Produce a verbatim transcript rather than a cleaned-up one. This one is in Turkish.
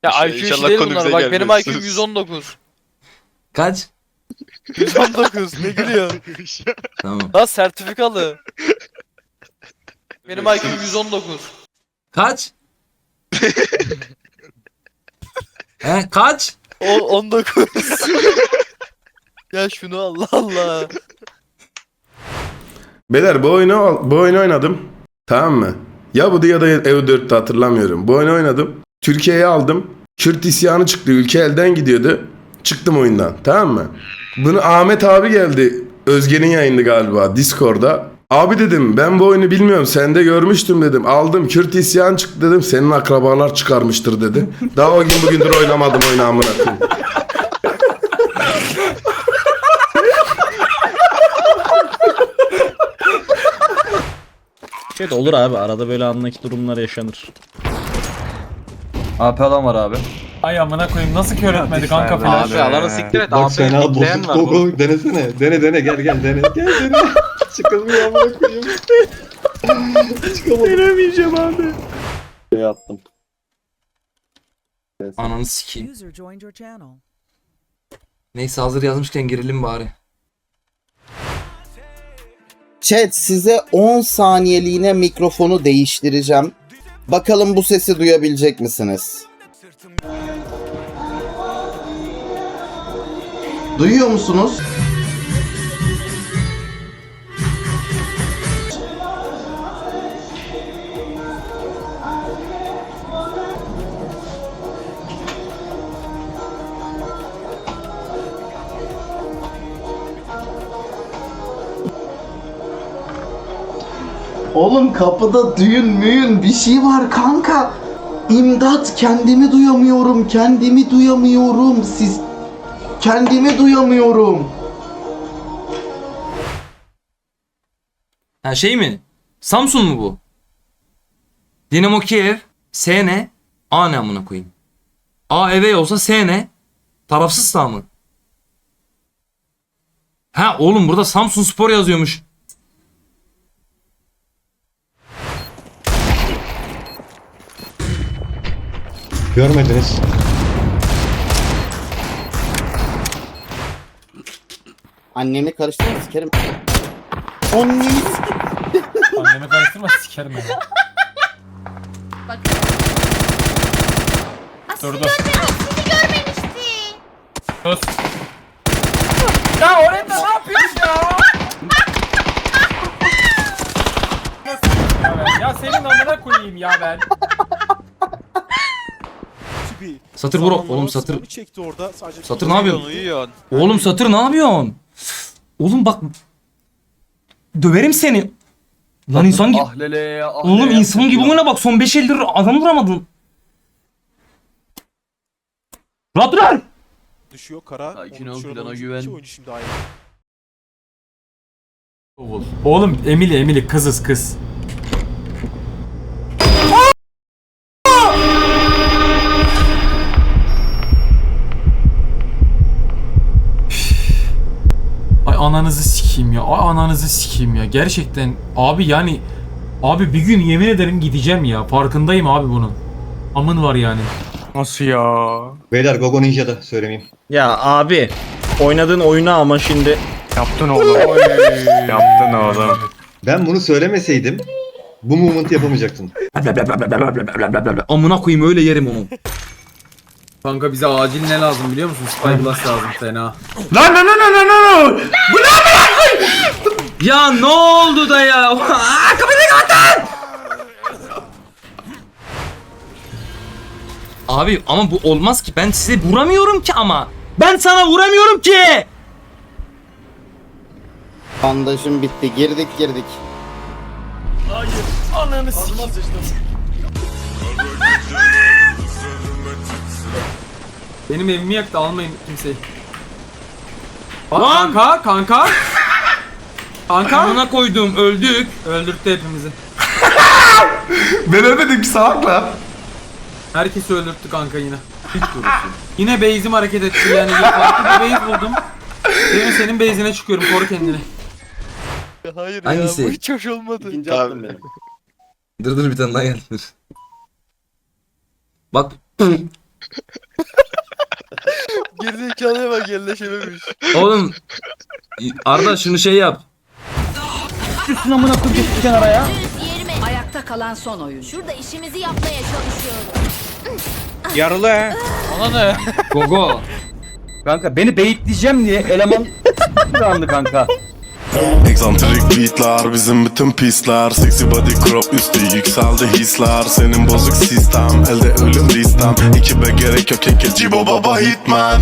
Ya İnşallah- I Q işi inşallah değil konu bunlar. bize Bak benim gelmez. I Q'm yüz on dokuz. Kaç? yüz on dokuz ne gülüyorsun? Tamam. Lan sertifikalı. Benim I Q'm yüz on dokuz. Kaç? He kaç? O on dokuz. Ya şunu Allah Allah. Beyler bu oyunu bu oyunu oynadım. Tamam mı? Ya bu ya da E U dörtte hatırlamıyorum. Bu oyunu oynadım. Türkiye'ye aldım. Kürt isyanı çıktı. Ülke elden gidiyordu. Çıktım oyundan. Tamam mı? Bunu Ahmet abi geldi. Özge'nin yayını galiba Discord'da. Abi dedim ben bu oyunu bilmiyorum. Sende görmüştüm dedim. Aldım Kürt isyanı çıktı dedim. Senin akrabalar çıkarmıştır dedi. Daha o gün bugündür oynamadım oyunu amına koyayım. Evet olur abi, arada böyle anlaki durumlar yaşanır. A P alan var abi. Ay amına koyayım, nasıl kör etmedi kanka falan. Abi alanı siktir et. Bak Abi fena bekleyen bozuk var. koku denesene. Dene dene gel gel dene. Gel dene. Çıkılmıyor amına koyayım. Çıkamadım. Denemeyeceğim abi. Şey attım. Ananı sikeyim. User joined your channel. Neyse hazır yazmışken girelim bari. Chat, size on saniyeliğine mikrofonu değiştireceğim. Bakalım bu sesi duyabilecek misiniz? Duyuyor musunuz? Oğlum kapıda düğün müyün bir şey var kanka. İmdat, kendimi duyamıyorum, kendimi duyamıyorum. Siz kendimi duyamıyorum. Ha şey mi? Samsun mu bu? Dinamo Kiev. S ne? A ne amına koyayım? A eve olsa S ne? Tarafsız sağ mı? Ha oğlum burada Samsun Spor yazıyormuş. Görmediniz. Annemi karıştırma sikerim. Annemi sikerim. Annemi karıştırma, sikerim beni. Dur dur. Sus. Ya oraya ne yapıyorsun ya? Ya ben- Ya senin amına koyayım ya ben. Satır vur oğlum satır. Çekti orada. Sadece Satır ne yapıyorsun? Uyuyorsun. Oğlum satır ne yapıyorsun? Oğlum bak döverim seni. Lan insan gibi. Ahlele ahlele. Oğlum insan gibi oyna bak, son beş eldir adam vuramadın. Rahat dur lan. düşüyor kara. Sakin Onu ol, düşüren plana oyuncu güven. iki oyuncu şimdi ayrı. Oğlum Emily Emily kızız kız. Ay ananızı sikeyim ya. Ay ananızı sikeyim ya. Gerçekten abi yani abi bir gün yemin ederim gideceğim ya. Farkındayım abi bunun. Amın var yani. Nasıl ya? Beyler Gogo Ninja'da söylemeyeyim. Ya abi, oynadığın oyuna ama şimdi Yaptın oğlum. Yaptın oğlum. Ben bunu söylemeseydim bu movement'ı yapamayacaktın. Amına koyayım öyle yerim onu. Kanka bize acil ne lazım biliyor musun? Spyglass lazım fena. Lan lan lan lan lan. Bu ne Ya ne oldu da ya? Aa, kapıyı kapattın. Abi ama bu olmaz ki, ben size vuramıyorum ki ama. Ben sana vuramıyorum ki. Bandajım bitti. Girdik girdik. Ananı sikeyim. Benim evimi yaktı, almayın kimseyi. Bak, Lan! kanka kanka. Kanka. Amına koydum, öldük. Öldürttü hepimizi. Ben ölmedim ki salakla. Herkesi öldürttü kanka yine. Hiç Yine base'im hareket etti yani. Farklı bir base buldum. Demin senin base'ine çıkıyorum, koru kendini. Hayır Hangisi? ya bu hiç hoş olmadı. İkinci Tamam. attım benim. Dur dur bir tane daha geldi. Dur. Bak. Gerizekalıya bak yerleşememiş. Oğlum Arda şunu şey yap. Ayakta kalan son oyun. Şurada işimizi yapmaya çalışıyorum. Yaralı he. Ona ne? Gogo. Kanka beni beyitleyeceğim diye eleman andı kanka. Egzantrik beatlar bizim bütün pisler. Sexy body crop üstü yükseldi hisler. Senin bozuk sistem elde ölüm listem. Ekibe gerek yok ekip Cibo baba hitman.